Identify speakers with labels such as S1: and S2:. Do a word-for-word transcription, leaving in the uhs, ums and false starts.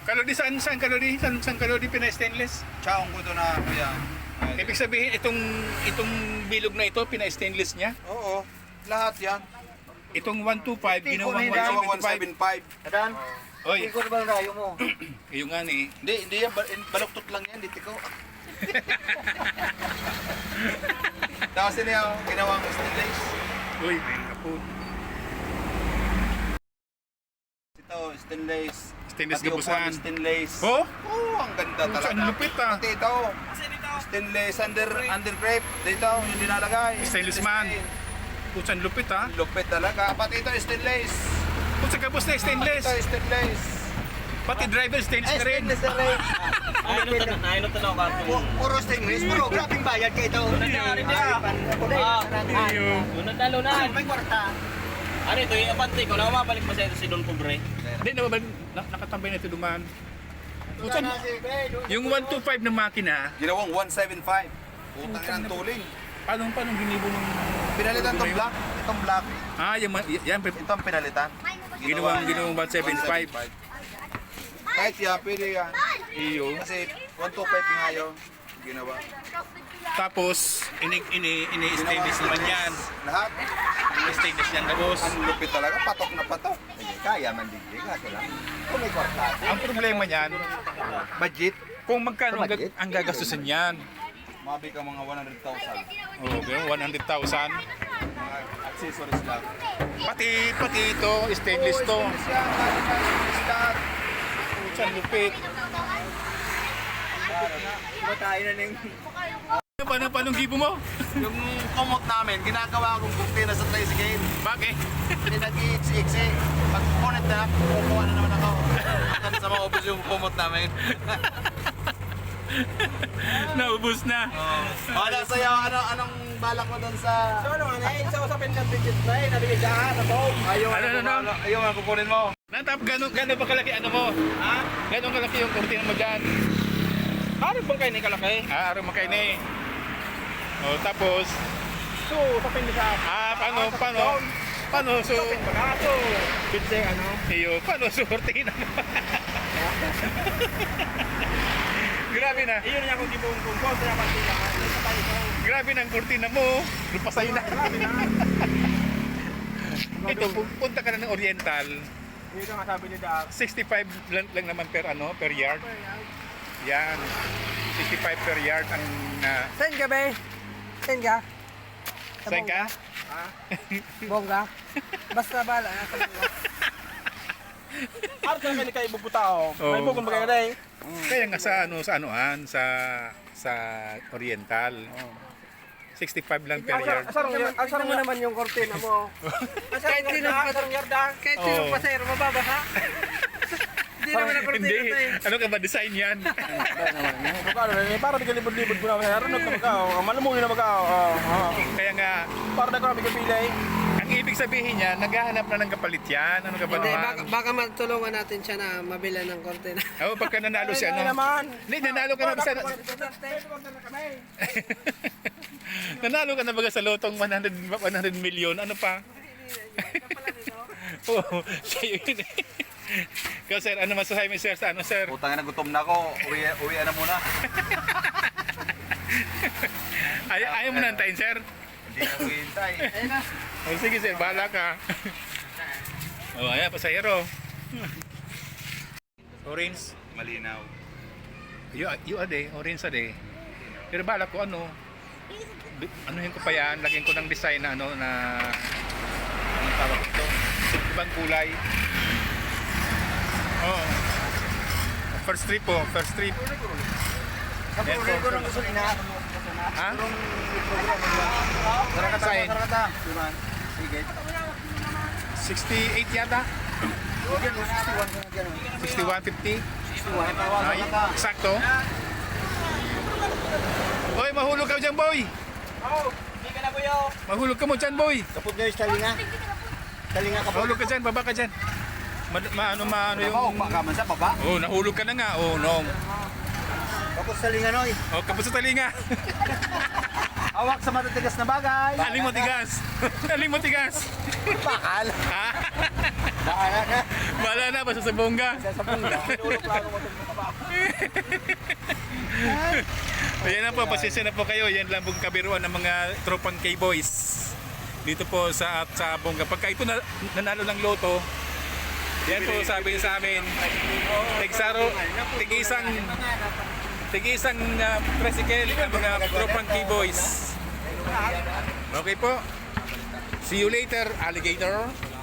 S1: Kalodi saan? Saan kalodi? Saan, saan kalodi pina-stainless?
S2: Chaong ko to na kuya. Ay,
S1: Ibig sabihin, itong itong bilog na ito, pina-stainless niya?
S2: Oo, lahat yan.
S1: Itong one twenty-five, ginawang
S2: Ginawang
S1: one
S2: one
S1: seventy-five.
S2: seven five.
S3: Adan,
S1: Oy,
S3: hindi ko na ba ang rayo mo?
S1: yung nga ni.
S2: Hindi, hindi yan. bal- Baluktot lang yan. Dito ko. Tapos yun yung ginawang stainless.
S1: Uy, may kapun.
S2: Ito, stainless.
S1: Stainless
S2: Pati
S1: gabusan.
S2: upuan, stainless.
S1: Oh?
S2: Oo, ang ganda
S1: Oh,
S2: talaga.
S1: ang lupit, ah.
S2: Pati ito. Stainless under, under grape. Dito, yung dinalagay.
S1: Stainless man. Putsan lupit ha.
S2: Lupit talaga. Pati ito, stainless.
S1: Putsan kapos na stainless.
S2: Ito, stainless.
S1: Pati driver stainless
S2: Ay,
S1: na rin.
S2: stainless na rin.
S4: Ay, no tanong, ay no tanong ka.
S3: Pu- Puro stainless, puro grabing bayad ka ito.
S4: Nangyari niya. Ah,
S1: Iyo.
S4: lunad na lunad.
S3: May kwarta.
S4: Ano ito, yung abante ko, nakababalik mo sa ito si Don Pobre.
S1: Hindi na ba na, nakatambay na ito dumaan. Putsan, yung one twenty-five na makina,
S2: Ginawang one seven five. Utang ng tuling.
S1: paano paano ginibo ng
S2: Pinalitan itong black. Itong black.
S1: Ah, yung ma- yan
S2: Ito ang pinalitan.
S1: ginawang ginawang one seventy-five.
S2: Kahit yan, pwede yan.
S1: Iyo.
S2: Kasi one twenty-five nga yun. Ginawa.
S1: Tapos ini ini ini stainless naman yan.
S2: Lahat.
S1: Ini stainless yan tapos.
S2: Ang lupit talaga. Patok na patok.
S3: Kaya man din, kaso lang. Kung may kwarta.
S1: Ang problema niyan,
S2: Budget.
S1: kung magkano ang,
S3: Budget?
S1: gag- ang gagastusin niyan.
S2: Mabi ka mga one hundred thousand.
S1: Oh, okay, one hundred thousand.
S2: Mga accessories lang.
S1: Pati pati ito, stainless to.
S2: Stainless yan. Stainless lahat.
S1: Putsan lupit.
S3: Matayo na ng...
S1: Ano pa na paano gibo mo?
S2: Yung kumot namin, ginagawa kong kurtina sa tricycle.
S1: Bakit?
S2: Hindi nag-i-iksi-iksi. Pag kukunit na, kukuha na naman ako. Hanggang sa mga office yung kumot namin.
S1: Naubos na.
S2: Oh. Ano sa'yo? Ano, anong balak mo doon sa...
S3: So ano nga eh, sa usapin ng digit na eh, nabigay dyan, sa phone.
S2: Ayaw
S1: Ano, ano, ano?
S2: Ayaw nga kukunin mo.
S1: Natap, gano'n gano'n ba kalaki ano mo? Ha? Gano'n kalaki yung kurtina mo dyan?
S3: Harap bang kayo ni kalaki?
S1: Ah, araw makay ni. Oh, tapos,
S3: So, usapin niya sa...
S1: ah, paano, paano? Paano, so,
S3: Usapin ba na? So, bitse ano?
S1: iyo, paano so kurtina mo? Grabe na.
S3: Iyon niya kung di mo kung kung kaya pantila. Sa tayo ko.
S1: Grabe na ang kurtina mo. Lupasay na.
S3: Grabe na.
S1: Ito, pu- punta ka na ng Oriental.
S3: Dito nga sabi ni Doc.
S1: sixty-five lang, lang naman per ano, per yard. Yan. sixty-five per yard ang uh,
S5: Saan ka, be? Saan ka? Sa
S1: saan ka?
S5: Bongga? Bongga? Basta bala. Nasa bongga.
S3: Art na kayo kayo bubutao.
S1: Oo.
S3: May bukong bagay na eh.
S1: Kaya nga sa ano sa anuan sa sa Oriental. sixty-five lang per yard.
S3: Asarong yard.
S5: Tignan
S3: Asarong
S5: mo
S3: mo
S5: naman yung kortina mo.
S3: Kahit sino pa asarong yard ah.
S5: Kahit sino
S1: Oo.
S5: pasayro, mababasa. Hindi naman ang kortina
S1: Hindi.
S5: to eh.
S1: Ano ka ba design yan?
S3: Para na para bigyan libod-libod ko na sa aron na magkao. Malamuyo na magkao. Oh.
S1: Kaya nga
S3: Para na ko bigyan pilay.
S1: ang ibig sabihin niya naghahanap na ng kapalit yan. Ano ka ba
S5: Hindi, baka,
S1: naman?
S5: baka matulungan natin siya na mabila ng kortina.
S1: Oh, pagka nanalo siya
S3: Ay,
S1: ano?
S3: naman.
S1: Hindi, nanalo ka na ba sa nanalo ka na ba sa lotong one hundred one hundred million? Ano pa? Oo, siya yun eh. Ikaw sir, ano masasabi mo sir sa ano sir?
S2: Putang na, gutom na ako. Uwi, uwi na muna.
S1: Ay, ayaw mo na antayin sir?
S2: Hindi na hintay.
S1: Oh, sige sir, bahala ka. Oh, ayan, pasahero. Orange.
S2: Malinaw.
S1: Yu, yu ade, orange ade. Pero bahala ko ano, bi- anuhin ko pa yan, lagyan ko ng design na ano na anong tawag ito? Ibang kulay. Oh. First trip po, first trip. Yan po.
S3: Ko nang gasolina.
S1: Ha?
S2: Tara ka
S1: Sign.
S2: tara ka Diman. Sige.
S1: sixty-eight yata? sixty-one fifty? Ay, sakto. Hoy, mahulog ka dyan, boy.
S3: Oh, hindi ka na buyo.
S1: Mahulog ka mo dyan, boy.
S3: Kaput niyo yung talinga. Talinga kaput.
S1: Mahulog ka dyan, baba ka dyan. Ma, ma ano, ma, ano
S2: Ako,
S1: yung...
S2: makaman sa baba.
S1: Oh, nahulog ka na nga. Oh, no.
S3: Kaput talinga noy.
S1: Oh, kapos sa talinga.
S2: Hawak sa matatigas na bagay.
S1: Aling mo tigas. Aling mo tigas.
S2: Bakal.
S1: Ha?
S2: Bahala na.
S1: Bahala na, basta sa bongga.
S3: Sa bongga. Pinulong plano mo itong mga ba.
S1: Ayan na po, pasensya na po kayo. Yan lang pong kabiruan ng mga tropang K-Boys. Dito po sa at sa bongga. Pagka ito na, nanalo ng loto, yan po sabi niya sa amin, tigsaro, tig-isang tig-isang uh, tricycle ang mga tropang K-Boys. Okay po. See you later, alligator.